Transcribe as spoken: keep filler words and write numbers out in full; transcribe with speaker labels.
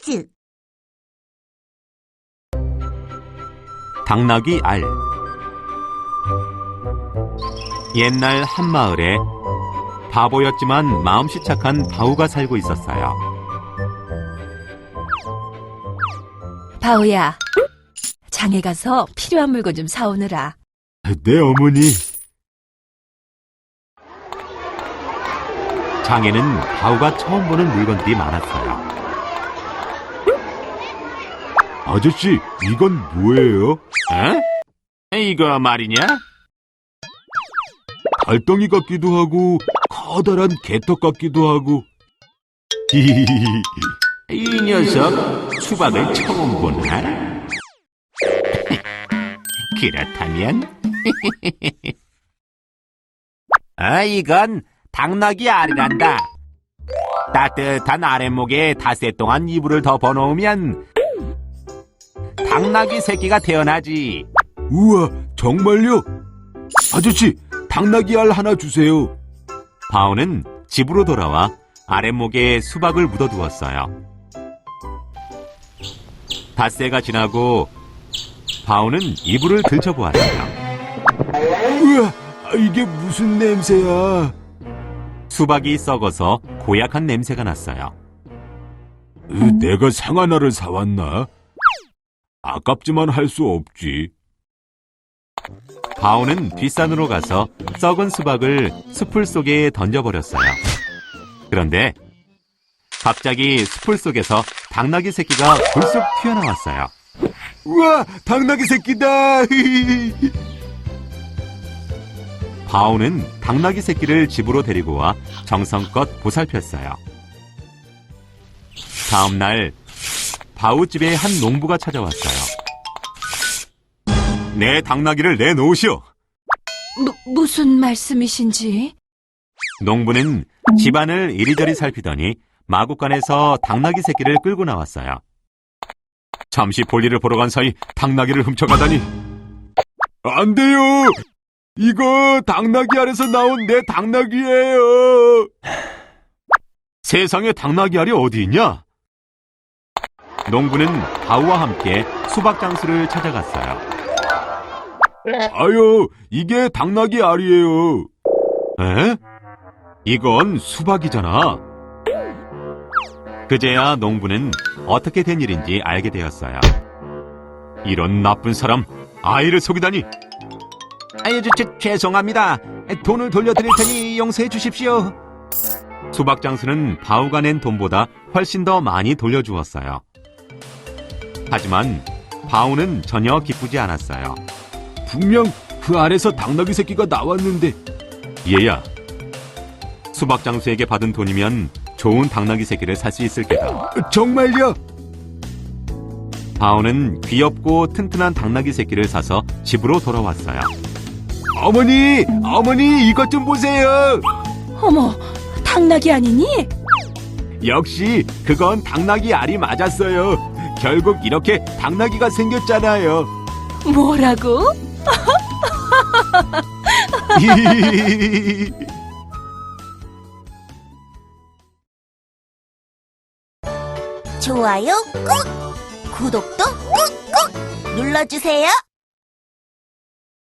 Speaker 1: 퀴즈.
Speaker 2: 당나귀 알. 옛날 한 마을에 바보였지만 마음씨 착한 바우가 살고 있었어요.
Speaker 3: 바오야, 장에 가서 필요한 물건 좀 사오느라.
Speaker 2: 네, 어머니. 장에는 바우가 처음 보는 물건들이 많았어요. 아저씨, 이건 뭐예요? 어? 이거 말이냐? 달덩이 같기도 하고 커다란 개떡 같기도 하고. 이 녀석 수박을 처음 보나? 그렇다면 아, 이건 당나귀 알이란다. 따뜻한 아랫목에 닷새 동안 이불을 덮어 놓으면 당나귀 새끼가 태어나지. 우와, 정말요? 아저씨, 당나귀 알 하나 주세요. 바오는 집으로 돌아와 아랫목에 수박을 묻어두었어요. 닷새가 지나고 바오는 이불을 들춰보았어요. 우와, 이게 무슨 냄새야? 수박이 썩어서 고약한 냄새가 났어요. 내가 상하나를 사왔나? 아깝지만 할 수 없지. 바오는 뒷산으로 가서 썩은 수박을 숲풀 속에 던져버렸어요. 그런데 갑자기 숲풀 속에서 당나귀 새끼가 불쑥 튀어나왔어요. 우와, 당나귀 새끼다! 바오는 당나귀 새끼를 집으로 데리고 와 정성껏 보살폈어요. 다음 날 바오 집에 한 농부가 찾아왔어요. 내 당나귀를 내놓으시오.
Speaker 3: 무, 무슨 말씀이신지?
Speaker 2: 농부는 집안을 이리저리 살피더니 마구간에서 당나귀 새끼를 끌고 나왔어요. 잠시 볼일을 보러 간 사이 당나귀를 훔쳐가다니. 안 돼요! 이거 당나귀 알에서 나온 내 당나귀예요. 세상에 당나귀 알이 어디 있냐? 농부는 바우와 함께 수박 장수를 찾아갔어요. 아유, 이게 당나귀 알이에요. 에? 이건 수박이잖아. 그제야 농부는 어떻게 된 일인지 알게 되었어요. 이런 나쁜 사람, 아이를 속이다니. 아유, 저, 저, 죄송합니다. 돈을 돌려드릴 테니 용서해 주십시오. 수박 장수는 바우가 낸 돈보다 훨씬 더 많이 돌려주었어요. 하지만 바우는 전혀 기쁘지 않았어요. 분명 그 알에서 당나귀 새끼가 나왔는데. 얘야, 수박 장수에게 받은 돈이면 좋은 당나귀 새끼를 살 수 있을 게다. 정말요? 바오는 귀엽고 튼튼한 당나귀 새끼를 사서 집으로 돌아왔어요. 어머니! 어머니, 이것 좀 보세요!
Speaker 3: 어머, 당나귀 아니니?
Speaker 2: 역시 그건 당나귀 알이 맞았어요. 결국 이렇게 당나귀가 생겼잖아요.
Speaker 3: 뭐라고?
Speaker 1: 좋아요 꾹! 구독도 꾹꾹 눌러주세요.